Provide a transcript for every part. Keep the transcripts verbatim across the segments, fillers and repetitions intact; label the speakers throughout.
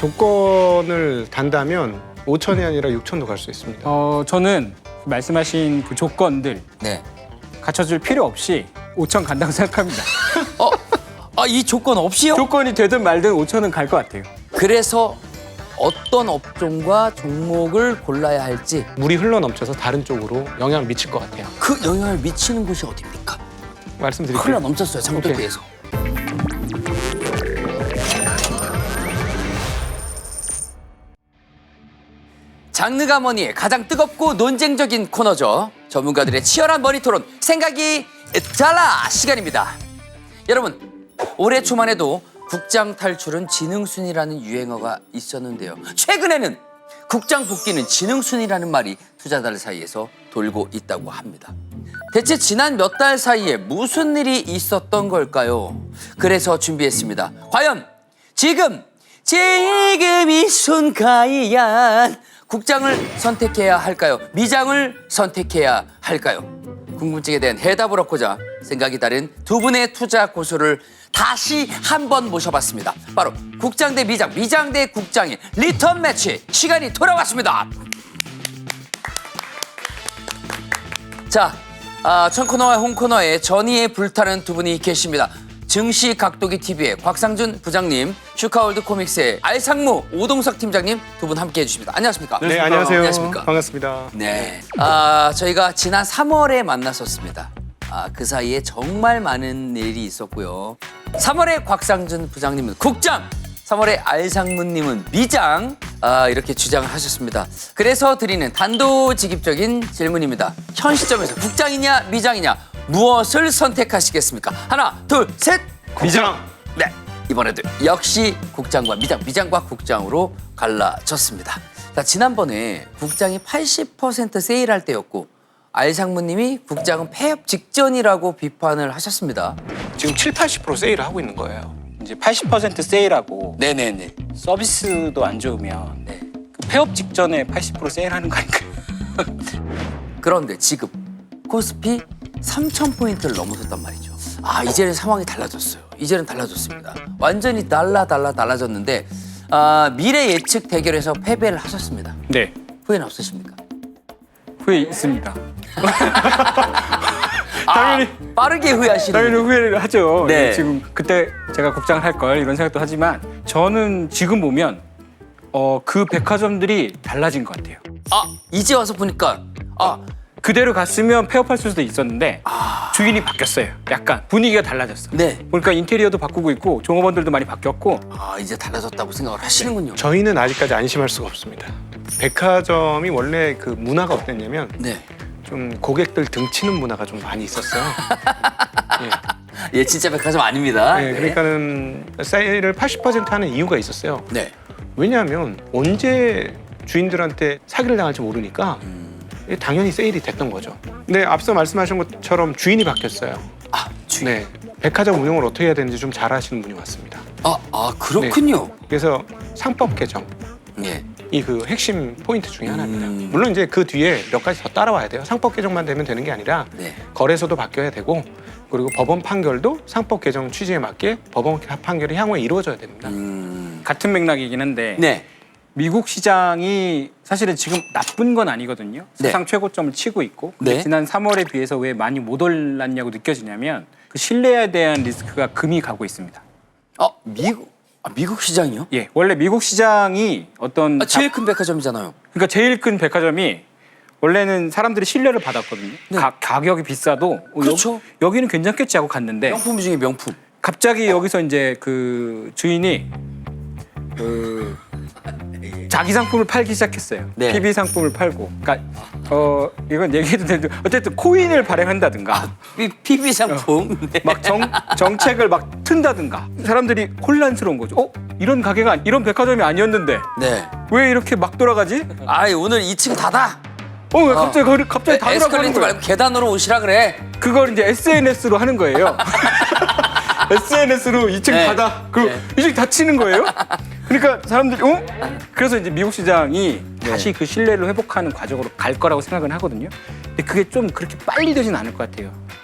Speaker 1: 조건을 단다면 오천이 아니라 육천도 갈 수 있습니다.
Speaker 2: 어, 저는 말씀하신 그 조건들
Speaker 3: 네.
Speaker 2: 갖춰줄 필요 없이 오천 간다고 생각합니다.
Speaker 3: 어, 아, 이 조건 없이요?
Speaker 2: 조건이 되든 말든 오천은 갈 것 같아요.
Speaker 3: 그래서 어떤 업종과 종목을 골라야 할지
Speaker 1: 물이 흘러넘쳐서 다른 쪽으로 영향을 미칠 것 같아요.
Speaker 3: 그 영향을 미치는 곳이 어디입니까?
Speaker 1: 말씀드릴게요.
Speaker 3: 흘러 넘쳤어요, 장독대에서. 장르가 뭐니 가장 뜨겁고 논쟁적인 코너죠. 전문가들의 치열한 머리토론 생각이 달라 시간입니다. 여러분, 올해 초만 해도 국장 탈출은 지능순이라는 유행어가 있었는데요. 최근에는 국장 복귀는 지능순이라는 말이 투자자들 사이에서 돌고 있다고 합니다. 대체 지난 몇 달 사이에 무슨 일이 있었던 걸까요? 그래서 준비했습니다. 과연 지금, 지금 이 순간이야 국장을 선택해야 할까요? 미장을 선택해야 할까요? 궁금증에 대한 해답을 얻고자 생각이 다른 두 분의 투자 고수를 다시 한번 모셔봤습니다. 바로 국장 대 미장, 미장 대 국장의 리턴 매치 시간이 돌아왔습니다. 자, 아, 천 코너와 홍 코너에 전의에 불타는 두 분이 계십니다. 증시 각도기 티비의 곽상준 부장님, 슈카월드 코믹스의 알상무 오동석 팀장님 두 분 함께해 주십니다. 안녕하십니까?
Speaker 1: 네, 안녕하세요.
Speaker 3: 안녕하십니까?
Speaker 1: 반갑습니다.
Speaker 3: 네, 아, 저희가 지난 삼월에 만났었습니다. 아, 그 사이에 정말 많은 일이 있었고요. 삼월에 곽상준 부장님은 국장, 삼월에 알상무님은 미장, 아, 이렇게 주장을 하셨습니다. 그래서 드리는 단도직입적인 질문입니다. 현 시점에서 국장이냐 미장이냐 무엇을 선택하시겠습니까? 하나, 둘, 셋!
Speaker 1: 미장!
Speaker 3: 네, 이번에도 역시 국장과 미장, 미장과 국장으로 갈라졌습니다. 자, 지난번에 국장이 팔십 퍼센트 세일할 때였고 알상무님이 국장은 폐업 직전이라고 비판을 하셨습니다.
Speaker 1: 지금 칠, 팔십 퍼센트 세일을 하고 있는 거예요.
Speaker 2: 이제 팔십 퍼센트 세일하고
Speaker 3: 네네네.
Speaker 2: 서비스도 안 좋으면
Speaker 3: 네.
Speaker 2: 그 폐업 직전에 팔십 퍼센트 세일하는 거 아닐까요?
Speaker 3: 그런데 지금 코스피 삼천 포인트를 넘어섰단 말이죠. 아, 이제는 상황이 달라졌어요. 이제는 달라졌습니다. 완전히 달라 달라 달라졌는데 아, 미래 예측 대결에서 패배를 하셨습니다.
Speaker 2: 네,
Speaker 3: 후회는 없으십니까?
Speaker 2: 후회 있습니다.
Speaker 3: 아,
Speaker 2: 당연히.
Speaker 3: 빠르게 후회하시는.
Speaker 2: 당연히 후회를 하죠.
Speaker 3: 네.
Speaker 2: 지금 그때 제가 국장을 할 걸 이런 생각도 하지만 저는 지금 보면 어, 그 백화점들이 달라진 것 같아요.
Speaker 3: 아, 이제 와서 보니까 아,
Speaker 2: 그대로 갔으면 폐업할 수도 있었는데 주인이 바뀌었어요. 약간 분위기가 달라졌어.
Speaker 3: 네.
Speaker 2: 그러니까 인테리어도 바꾸고 있고 종업원들도 많이 바뀌었고.
Speaker 3: 아, 이제 달라졌다고 생각을 하시는군요.
Speaker 1: 저희는 아직까지 안심할 수가 없습니다. 백화점이 원래 그 문화가 어땠냐면
Speaker 3: 네.
Speaker 1: 좀 고객들 등치는 문화가 좀 많이 있었어요. 예.
Speaker 3: 예, 진짜 백화점 아닙니다.
Speaker 1: 네,
Speaker 3: 네.
Speaker 1: 그러니까는 세일을 팔십 퍼센트 하는 이유가 있었어요.
Speaker 3: 네.
Speaker 1: 왜냐하면 언제 주인들한테 사기를 당할지 모르니까 당연히 세일이 됐던 거죠. 근데 앞서 말씀하신 것처럼 주인이 바뀌었어요.
Speaker 3: 아, 주인.
Speaker 1: 네, 백화점 운영을 어떻게 해야 되는지 좀 잘 아시는 분이 왔습니다.
Speaker 3: 아, 아, 그렇군요.
Speaker 1: 그래서 상법 개정
Speaker 3: 네.
Speaker 1: 이 그 핵심 포인트 중에 하나입니다.
Speaker 3: 음.
Speaker 1: 물론 이제 그 뒤에 몇 가지 더 따라와야 돼요. 상법 개정만 되면 되는 게 아니라
Speaker 3: 네.
Speaker 1: 거래소도 바뀌어야 되고 그리고 법원 판결도 상법 개정 취지에 맞게 법원 판결이 향후에 이루어져야 됩니다.
Speaker 3: 음.
Speaker 2: 같은 맥락이긴 한데
Speaker 3: 네.
Speaker 2: 미국 시장이 사실은 지금 나쁜 건 아니거든요.
Speaker 3: 네.
Speaker 2: 사상 최고점을 치고 있고 근데
Speaker 3: 네.
Speaker 2: 지난 삼월에 비해서 왜 많이 못 올랐냐고 느껴지냐면 그 신뢰에 대한 리스크가 금이 가고 있습니다.
Speaker 3: 아, 미국 아, 미국 시장이요?
Speaker 2: 예, 원래 미국 시장이 어떤
Speaker 3: 아, 제일
Speaker 2: 자-
Speaker 3: 큰 백화점이잖아요.
Speaker 2: 그러니까 제일 큰 백화점이 원래는 사람들이 신뢰를 받았거든요.
Speaker 3: 네.
Speaker 2: 가, 가격이 비싸도 어,
Speaker 3: 그렇죠.
Speaker 2: 여, 여기는 괜찮겠지 하고 갔는데
Speaker 3: 명품 중에 명품.
Speaker 2: 갑자기 여기서 이제 그 주인이 그 자기 상품을 팔기 시작했어요.
Speaker 3: 네.
Speaker 2: 피비 상품을 팔고. 그러니까 어 이건 얘기해도 되는데 어쨌든 코인을 발행한다든가
Speaker 3: 피- 피비 상품. 네.
Speaker 2: 막 정, 정책을 막 튼다든가 사람들이 혼란스러운 거죠. 어? 이런 가게가 이런 백화점이 아니었는데
Speaker 3: 네.
Speaker 2: 왜 이렇게 막 돌아가지?
Speaker 3: 아, 오늘 이 층 닫아.
Speaker 2: 어, 왜 갑자기 거기 갑자기 다 돌아가는
Speaker 3: 에스컬레이터
Speaker 2: 거예요.
Speaker 3: 말고 계단으로 오시라 그래.
Speaker 2: 그걸 이제 에스엔에스로 하는 거예요. 에스엔에스로 이 층
Speaker 3: 네.
Speaker 2: 닫아. 그리고
Speaker 3: 네.
Speaker 2: 이 층 닫히는 거예요. 그러니까 사람들이 어? 그래서 이제 미국 시장이
Speaker 3: 네.
Speaker 2: 다시 그 신뢰를 회복하는 과정으로 갈 거라고 생각은 하거든요. 근데 그게 좀 그렇게 빨리 되진 않을 것 같아요.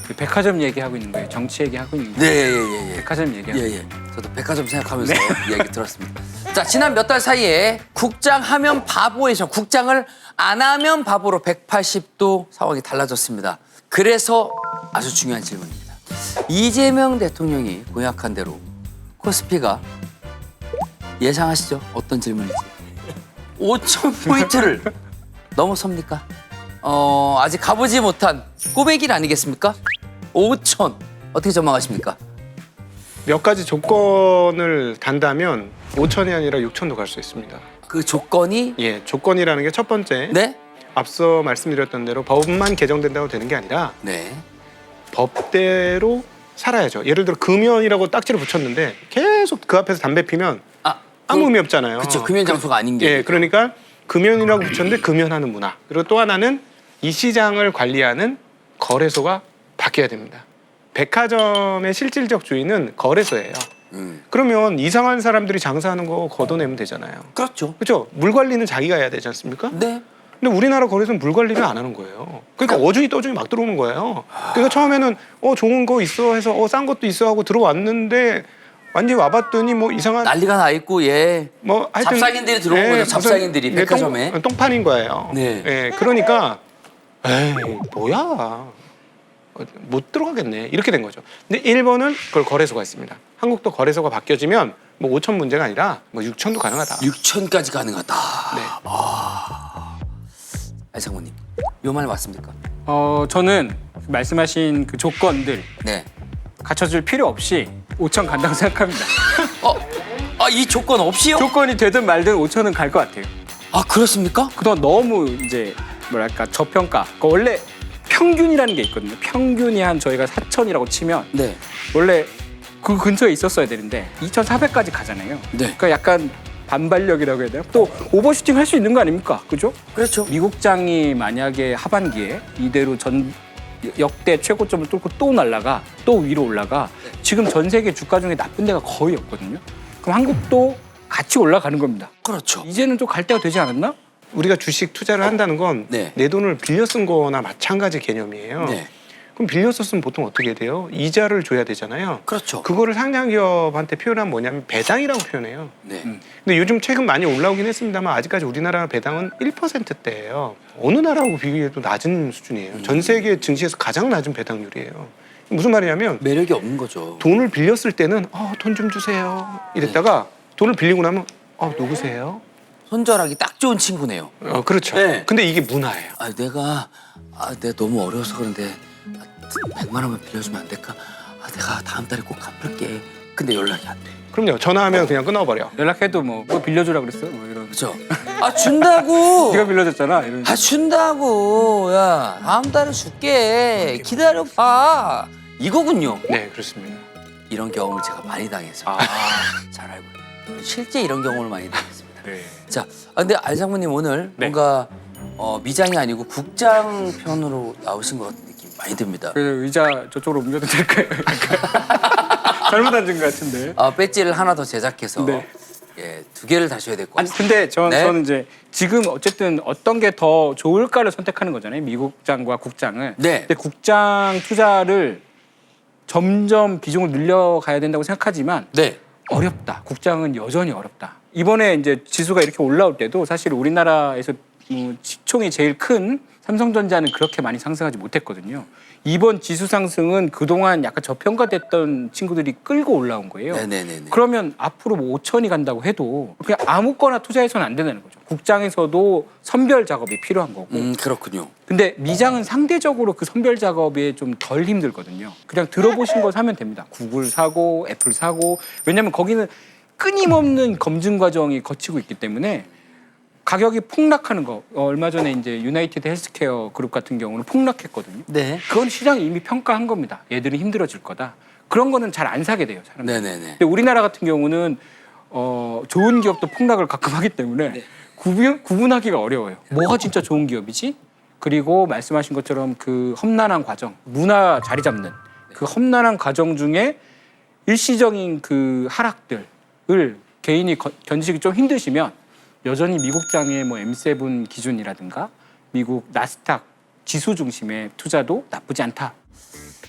Speaker 2: 백화점 얘기하고 있는 거예요. 정치 얘기하고 있는 거예요.
Speaker 3: 네, 예, 예, 예.
Speaker 2: 백화점 얘기하고
Speaker 3: 예, 예. 저도 백화점 생각하면서 이야기 들었습니다. 자, 지난 몇 달 사이에 국장 하면 바보에서 국장을 안 하면 바보로 백팔십 도 상황이 달라졌습니다. 그래서 아주 중요한 질문입니다. 이재명 대통령이 공약한 대로 코스피가 예상하시죠? 어떤 질문인지. 오천 포인트를 넘어섭니까? 어, 아직 가보지 못한 꼬매길 아니겠습니까? 오천 어떻게 전망하십니까?
Speaker 1: 몇 가지 조건을 단다면 오천이 아니라 육천도 갈 수 있습니다.
Speaker 3: 그 조건이
Speaker 1: 예, 조건이라는 게 첫 번째.
Speaker 3: 네?
Speaker 1: 앞서 말씀드렸던 대로 법만 개정된다고 되는 게 아니라
Speaker 3: 네.
Speaker 1: 법대로 살아야죠. 예를 들어 금연이라고 딱지를 붙였는데 계속 그 앞에서 담배 피면
Speaker 3: 아,
Speaker 1: 아무 의미 없잖아요.
Speaker 3: 그렇죠. 금연 장소가 아닌 게.
Speaker 1: 예, 그러니까 금연이라고 붙였는데 금연하는 문화. 그리고 또 하나는 이 시장을 관리하는 거래소가 바뀌어야 됩니다. 백화점의 실질적 주인은 거래소예요.
Speaker 3: 음.
Speaker 1: 그러면 이상한 사람들이 장사하는 거 걷어내면 되잖아요.
Speaker 3: 그렇죠.
Speaker 1: 그렇죠? 물 관리는 자기가 해야 되지 않습니까?
Speaker 3: 네.
Speaker 1: 근데 우리나라 거래소는 물 관리를 안 하는 거예요. 그러니까 어중이 떠중이 막 들어오는 거예요. 그러니까 처음에는 어 좋은 거 있어 해서 어 싼 것도 있어 하고 들어왔는데 완전히 와봤더니 뭐 이상한
Speaker 3: 난리가 나 있고 예.
Speaker 1: 뭐 하여튼
Speaker 3: 잡상인들이 들어온 거죠. 잡상인들이
Speaker 1: 무슨, 예,
Speaker 3: 백화점에.
Speaker 1: 똥, 똥판인 거예요.
Speaker 3: 네.
Speaker 1: 예, 그러니까 에이 뭐야 어, 못 들어가겠네 이렇게 된 거죠. 근데 일본은 그걸 거래소가 있습니다. 한국도 거래소가 바뀌어지면 뭐 오천 문제가 아니라 뭐 육천도 가능하다.
Speaker 3: 육천까지 가능하다.
Speaker 1: 네.
Speaker 3: 아, 장모님, 요 말 맞습니까?
Speaker 2: 어, 저는 말씀하신 그 조건들
Speaker 3: 네.
Speaker 2: 갖춰줄 필요 없이 오천 간다고 생각합니다.
Speaker 3: 어, 아, 이 조건 없이요?
Speaker 2: 조건이 되든 말든 오천은 갈 것 같아요.
Speaker 3: 아, 그렇습니까?
Speaker 2: 그동안 너무 이제 뭐랄까 저평가. 그 원래 평균이라는 게 있거든요. 평균이 한 저희가 사천이라고 치면
Speaker 3: 네.
Speaker 2: 원래 그 근처에 있었어야 되는데 이천사백까지 가잖아요.
Speaker 3: 네.
Speaker 2: 그러니까 약간 반발력이라고 해야 되나? 또 오버슈팅 할 수 있는 거 아닙니까? 그죠?
Speaker 3: 그렇죠.
Speaker 2: 미국장이 만약에 하반기에 이대로 전 역대 최고점을 뚫고 또 날라가 또 위로 올라가 지금 전 세계 주가 중에 나쁜 데가 거의 없거든요. 그럼 한국도 같이 올라가는 겁니다.
Speaker 3: 그렇죠.
Speaker 2: 이제는 좀 갈 때가 되지 않았나?
Speaker 1: 우리가 주식 투자를 한다는 건 내
Speaker 3: 네.
Speaker 1: 돈을 빌려 쓴 거나 마찬가지 개념이에요.
Speaker 3: 네.
Speaker 1: 그럼 빌려 썼으면 보통 어떻게 돼요? 이자를 줘야 되잖아요.
Speaker 3: 그렇죠.
Speaker 1: 그거를 상장 기업한테 표현하면 뭐냐면 배당이라고 표현해요.
Speaker 3: 네.
Speaker 2: 음.
Speaker 1: 근데 요즘 최근 많이 올라오긴 했습니다만 아직까지 우리나라 배당은 일 퍼센트대예요. 어느 나라하고 비교해도 낮은 수준이에요. 전 세계 증시에서 가장 낮은 배당률이에요. 무슨 말이냐면
Speaker 3: 매력이 없는 거죠.
Speaker 1: 돈을 빌렸을 때는 어, 돈 좀 주세요 이랬다가 돈을 빌리고 나면 어, 누구세요?
Speaker 3: 손절하기 딱 좋은 친구네요.
Speaker 1: 어, 그렇죠.
Speaker 3: 네.
Speaker 1: 근데 이게 문화예요.
Speaker 3: 아, 내가 아, 내가 너무 어려워서 그런데 백만 원만 빌려주면 안 될까? 아, 내가 다음 달에 꼭 갚을게. 근데 연락이 안 돼.
Speaker 1: 그럼요. 전화하면 그냥 끊어버려.
Speaker 2: 연락해도 뭐, 뭐 빌려주라 그랬어? 뭐 이런.
Speaker 3: 그렇죠? 아, 준다고.
Speaker 2: 네가 빌려줬잖아. 이런.
Speaker 3: 아, 준다고. 야, 다음 달에 줄게. 기다려봐. 이거군요.
Speaker 1: 네, 그렇습니다.
Speaker 3: 이런 경험을 제가 많이 당해서
Speaker 2: 아,
Speaker 3: 잘 알고 있어요. 실제 이런 경험을 많이 당했습니다.
Speaker 2: 네.
Speaker 3: 자, 아, 근데 알 장모님 오늘
Speaker 2: 네.
Speaker 3: 뭔가 어, 미장이 아니고 국장 편으로 나오신 것 같은 느낌이 많이 듭니다.
Speaker 2: 그래서 의자 저쪽으로 옮겨도 될까요? 잘못 앉은 것 같은데.
Speaker 3: 아, 배지를 하나 더 제작해서
Speaker 2: 네.
Speaker 3: 예, 두 개를 다셔야 될 것
Speaker 2: 아니
Speaker 3: 같습니다.
Speaker 2: 근데 전,
Speaker 3: 네.
Speaker 2: 저는 이제 지금 어쨌든 어떤 게 더 좋을까를 선택하는 거잖아요. 미국장과 국장을.
Speaker 3: 네.
Speaker 2: 근데 국장 투자를 점점 비중을 늘려가야 된다고 생각하지만
Speaker 3: 네.
Speaker 2: 어렵다. 국장은 여전히 어렵다. 이번에 이제 지수가 이렇게 올라올 때도 사실 우리나라에서 음, 시총이 제일 큰 삼성전자는 그렇게 많이 상승하지 못했거든요. 이번 지수 상승은 그동안 약간 저평가됐던 친구들이 끌고 올라온 거예요.
Speaker 3: 네네네.
Speaker 2: 그러면 앞으로 뭐 오천이 간다고 해도 그냥 아무거나 투자해서는 안 된다는 거죠. 국장에서도 선별 작업이 필요한 거고.
Speaker 3: 음, 그렇군요.
Speaker 2: 근데 미장은 상대적으로 그 선별 작업에 좀 덜 힘들거든요. 그냥 들어보신 거 사면 됩니다. 구글 사고 애플 사고. 왜냐하면 거기는 끊임없는 검증 과정이 거치고 있기 때문에 가격이 폭락하는 거. 어, 얼마 전에 이제 유나이티드 헬스케어 그룹 같은 경우는 폭락했거든요.
Speaker 3: 네.
Speaker 2: 그건 시장이 이미 평가한 겁니다. 얘들은 힘들어질 거다. 그런 거는 잘 안 사게 돼요, 사람들이.
Speaker 3: 네네네.
Speaker 2: 근데 우리나라 같은 경우는 어, 좋은 기업도 폭락을 가끔 하기 때문에
Speaker 3: 네.
Speaker 2: 구분, 구분하기가 어려워요. 뭐가 진짜 좋은 기업이지? 그리고 말씀하신 것처럼 그 험난한 과정, 문화 자리 잡는 그 험난한 과정 중에 일시적인 그 하락들을 개인이 거, 견디시기 좀 힘드시면 여전히 미국장의 뭐 엠 세븐 기준이라든가 미국 나스닥 지수 중심의 투자도 나쁘지 않다.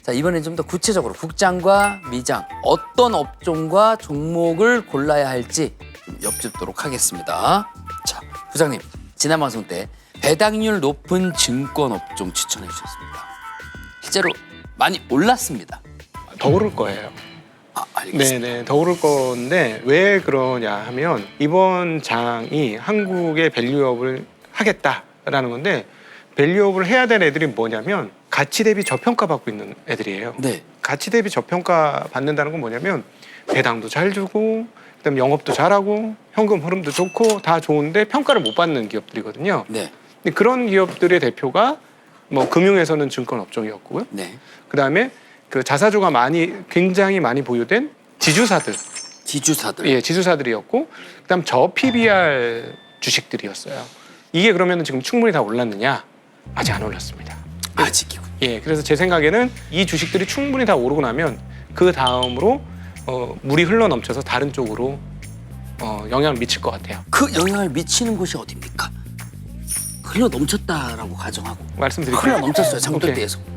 Speaker 3: 자, 이번엔 좀 더 구체적으로 국장과 미장 어떤 업종과 종목을 골라야 할지 좀 엿듣도록 하겠습니다. 자, 부장님 지난 방송 때 배당률 높은 증권 업종 추천해 주셨습니다. 실제로 많이 올랐습니다.
Speaker 1: 더 오를 거예요.
Speaker 3: 아, 알겠습니다.
Speaker 1: 네네, 더 오를 건데 왜 그러냐 하면 이번 장이 한국의 밸류업을 하겠다라는 건데 밸류업을 해야 될 애들이 뭐냐면 가치 대비 저평가 받고 있는 애들이에요.
Speaker 3: 네.
Speaker 1: 가치 대비 저평가 받는다는 건 뭐냐면 배당도 잘 주고 그다음 영업도 잘하고 현금 흐름도 좋고 다 좋은데 평가를 못 받는 기업들이거든요.
Speaker 3: 네.
Speaker 1: 근데 그런 기업들의 대표가 뭐 금융에서는 증권 업종이었고요.
Speaker 3: 네.
Speaker 1: 그다음에 그 자사주가 많이 굉장히 많이 보유된 지주사들,
Speaker 3: 지주사들.
Speaker 1: 예, 지주사들이었고 그다음 저 피비알 주식들이었어요. 이게 그러면 지금 충분히 다 올랐느냐? 아직 안 올랐습니다.
Speaker 3: 아직이군.
Speaker 1: 예, 그래서 제 생각에는 이 주식들이 충분히 다 오르고 나면 그 다음으로 어, 물이 흘러 넘쳐서 다른 쪽으로 어, 영향을 미칠 것 같아요.
Speaker 3: 그 영향을 미치는 곳이 어디입니까? 흘러 넘쳤다라고 가정하고
Speaker 1: 말씀드릴게요.
Speaker 3: 흘러 넘쳤어요. 장돌
Speaker 1: 오케이.
Speaker 3: 때에서.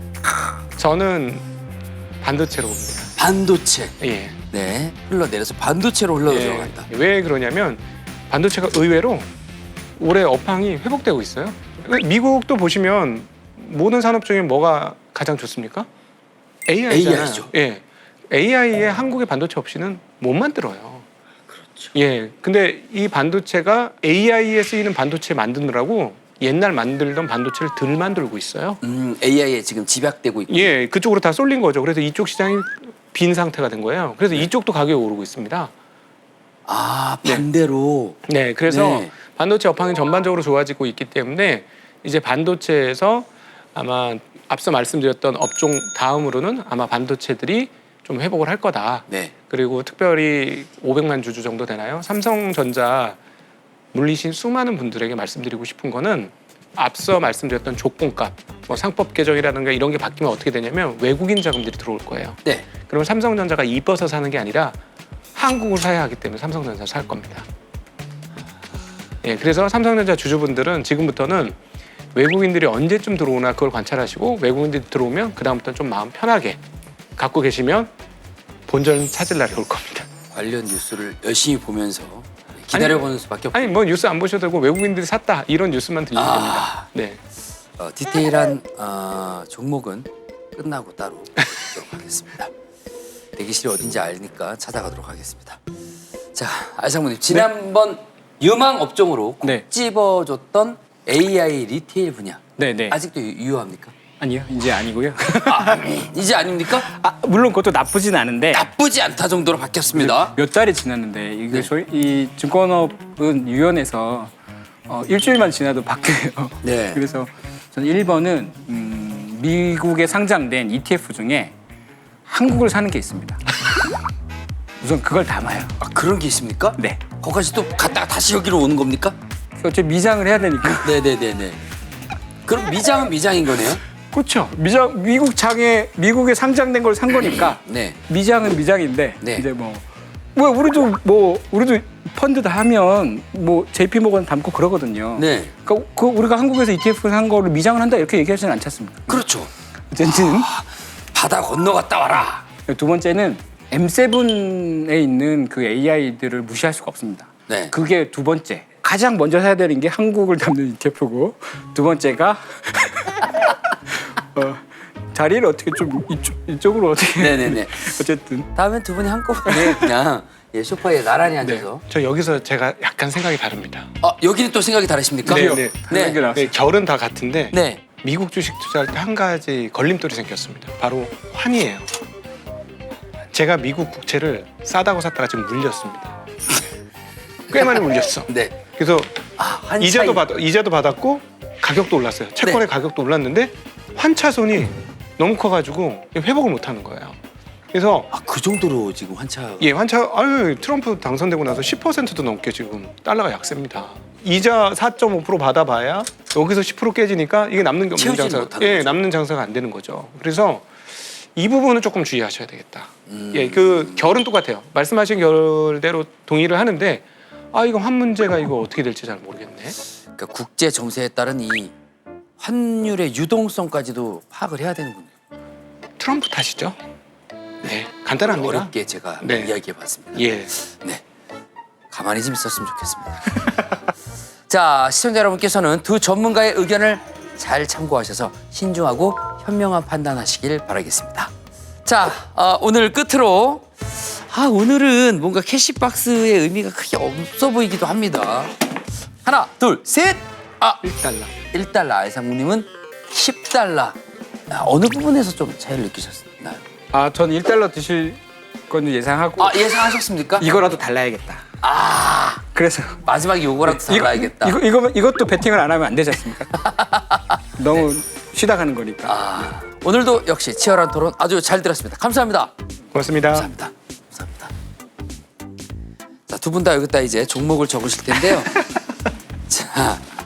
Speaker 1: 저는 반도체로 봅니다.
Speaker 3: 반도체.
Speaker 1: 예.
Speaker 3: 네. 흘러내려서 반도체로 흘러
Speaker 1: 예.
Speaker 3: 들어간다.
Speaker 1: 왜 그러냐면 반도체가 의외로 올해 업황이 회복되고 있어요. 미국도 보시면 모든 산업 중에 뭐가 가장 좋습니까? 에이아이잖아요.
Speaker 3: 에이아이죠.
Speaker 1: 예. 에이아이에 한국의 반도체 없이는 못 만들어요.
Speaker 3: 그렇죠.
Speaker 1: 예. 근데 이 반도체가 에이아이에 쓰이는 반도체 만드느라고 옛날 만들던 반도체를 덜 만들고 있어요.
Speaker 3: 음, 에이아이에 지금 집약되고 있고.
Speaker 1: 예, 그쪽으로 다 쏠린 거죠. 그래서 이쪽 시장이 빈 상태가 된 거예요. 그래서 이쪽도 가격이 오르고 있습니다.
Speaker 3: 아, 반대로.
Speaker 1: 네, 그래서
Speaker 3: 네.
Speaker 1: 반도체 업황이 전반적으로 좋아지고 있기 때문에 이제 반도체에서 아마 앞서 말씀드렸던 업종 다음으로는 아마 반도체들이 좀 회복을 할 거다.
Speaker 3: 네.
Speaker 1: 그리고 특별히 오백만 주주 정도 되나요? 삼성전자 물리신 수많은 분들에게 말씀드리고 싶은 거는 앞서 말씀드렸던 조건값, 뭐 상법 개정이라든가 이런 게 바뀌면 어떻게 되냐면 외국인 자금들이 들어올 거예요.
Speaker 3: 네.
Speaker 1: 그러면 삼성전자가 이뻐서 사는 게 아니라 한국을 사야 하기 때문에 삼성전자 살 겁니다. 예, 그래서 삼성전자 주주분들은 지금부터는 외국인들이 언제쯤 들어오나 그걸 관찰하시고 외국인들이 들어오면 그 다음부터 좀 마음 편하게 갖고 계시면 본전 찾을 날이 올 겁니다.
Speaker 3: 관련 뉴스를 열심히 보면서 기다려보는 수밖에 없고.
Speaker 1: 아니 뭐 뉴스 안 보셔도 되고 외국인들이 샀다 이런 뉴스만 들리면
Speaker 3: 아.
Speaker 1: 됩니다. 네.
Speaker 3: 어, 디테일한 어, 종목은 끝나고 따로 보도록 하겠습니다. 대기실이 어딘지 아니까 찾아가도록 하겠습니다. 자, 알상무님 지난번 유망 업종으로 꼭
Speaker 2: 네.
Speaker 3: 집어줬던 에이아이 리테일 분야
Speaker 2: 네, 네.
Speaker 3: 아직도 유- 유효합니까?
Speaker 2: 아니요, 이제 아니고요.
Speaker 3: 아, 이제 아닙니까?
Speaker 2: 아, 물론 그것도 나쁘진 않은데
Speaker 3: 나쁘지 않다 정도로 바뀌었습니다.
Speaker 2: 몇 달이 지났는데 이게
Speaker 3: 네.
Speaker 2: 소위 이 증권업은 유연해서 어, 일주일만 지나도 바뀌어요.
Speaker 3: 네.
Speaker 2: 그래서 저는 일 번은 음, 미국에 상장된 이티에프 중에 한국을 사는 게 있습니다. 우선 그걸 담아요.
Speaker 3: 아, 그런 게 있습니까?
Speaker 2: 네.
Speaker 3: 거기까지 또 갔다가 다시 여기로 오는 겁니까?
Speaker 2: 어차피 미장을 해야 되니까.
Speaker 3: 네네네네. 그럼 미장은 미장인 거네요?
Speaker 2: 그렇죠. 미장 미국 장에 미국에 상장된 걸 산 거니까
Speaker 3: 네.
Speaker 2: 미장은 미장인데
Speaker 3: 네.
Speaker 2: 이제 뭐. 뭐 우리도 뭐 우리도 펀드 다 하면 뭐 제이피모건 담고 그러거든요.
Speaker 3: 네.
Speaker 2: 그러니까 그 우리가 한국에서 이티에프 산 거를 미장을 한다 이렇게 얘기하지는 않지 않습니까?
Speaker 3: 그렇죠.
Speaker 2: 어쨌든
Speaker 3: 바다 건너갔다 와라.
Speaker 2: 두 번째는 엠 세븐에 있는 그 에이아이들을 무시할 수가 없습니다.
Speaker 3: 네.
Speaker 2: 그게 두 번째. 가장 먼저 사야 되는 게 한국을 담는 이티에프고 두 번째가 어, 자리를 어떻게 좀 이쪽, 이쪽으로 어떻게
Speaker 3: 네네네.
Speaker 2: 어쨌든
Speaker 3: 다음엔 두 분이 한꺼번에 그냥 예, 소파에 나란히 앉아서.
Speaker 1: 저 여기서 제가 약간 생각이 다릅니다.
Speaker 3: 아, 여기는 또 생각이 다르십니까?
Speaker 1: 네, 네.
Speaker 3: 네.
Speaker 2: 네.
Speaker 1: 네, 결은 다 같은데
Speaker 3: 네.
Speaker 1: 미국 주식 투자할 때 한 가지 걸림돌이 생겼습니다. 바로 환이에요. 제가 미국 국채를 싸다고 샀다가 지금 물렸습니다. 꽤 많이 물렸어.
Speaker 3: 네.
Speaker 1: 그래서
Speaker 3: 아, 한
Speaker 1: 이자도
Speaker 3: 차이.
Speaker 1: 받 이자도 받았고 가격도 올랐어요. 채권의
Speaker 3: 네.
Speaker 1: 가격도 올랐는데 환차손이 너무 커가지고 회복을 못하는 거예요. 그래서
Speaker 3: 아, 그 정도로 지금 환차.
Speaker 1: 예, 환차 아유 트럼프 당선되고 나서 십 퍼센트도 넘게 지금 달러가 약세입니다. 이자 사 점 오 퍼센트 받아봐야 여기서 십 퍼센트 깨지니까 이게 남는 게 없는
Speaker 3: 채우지는
Speaker 1: 장사.
Speaker 3: 못하는
Speaker 1: 예,
Speaker 3: 거죠.
Speaker 1: 남는 장사가 안 되는 거죠. 그래서 이 부분은 조금 주의하셔야 되겠다.
Speaker 3: 음.
Speaker 1: 예, 그 결은 똑같아요. 말씀하신 결대로 동의를 하는데 아 이거 환 문제가 이거 어떻게 될지 잘 모르겠네.
Speaker 3: 그러니까 국제 정세에 따른 이 환율의 유동성까지도 파악을 해야 되는군요.
Speaker 1: 트럼프 탓이죠. 네, 간단합니다.
Speaker 3: 어렵게 제가
Speaker 1: 네.
Speaker 3: 이야기해봤습니다.
Speaker 1: 예.
Speaker 3: 네, 가만히 좀 있었으면 좋겠습니다. 자, 시청자 여러분께서는 두 전문가의 의견을 잘 참고하셔서 신중하고 현명한 판단하시길 바라겠습니다. 자, 어, 오늘 끝으로 아 오늘은 뭔가 캐시박스의 의미가 크게 없어 보이기도 합니다. 하나, 둘, 셋. 아,
Speaker 1: 일 달러.
Speaker 3: 일 달러. 알상무님은 십 달러. 아, 어느 부분에서 좀 차이를 느끼셨나요?
Speaker 2: 아, 전 일 달러 드실 건 예상하고
Speaker 3: 아, 예상하셨습니까?
Speaker 2: 이거라도 달라야겠다.
Speaker 3: 아,
Speaker 2: 그래서
Speaker 3: 마지막에 요거라도 달라야겠다.
Speaker 2: 이거, 이거 이것도 베팅을 안 하면 안 되지 않습니까? 너무 쉬다 가는 거니까.
Speaker 3: 아, 오늘도 역시 치열한 토론 아주 잘 들었습니다. 감사합니다.
Speaker 1: 고맙습니다.
Speaker 3: 감사합니다. 감사합니다. 자, 두 분 다 여기다 이제 종목을 적으실 텐데요. 자,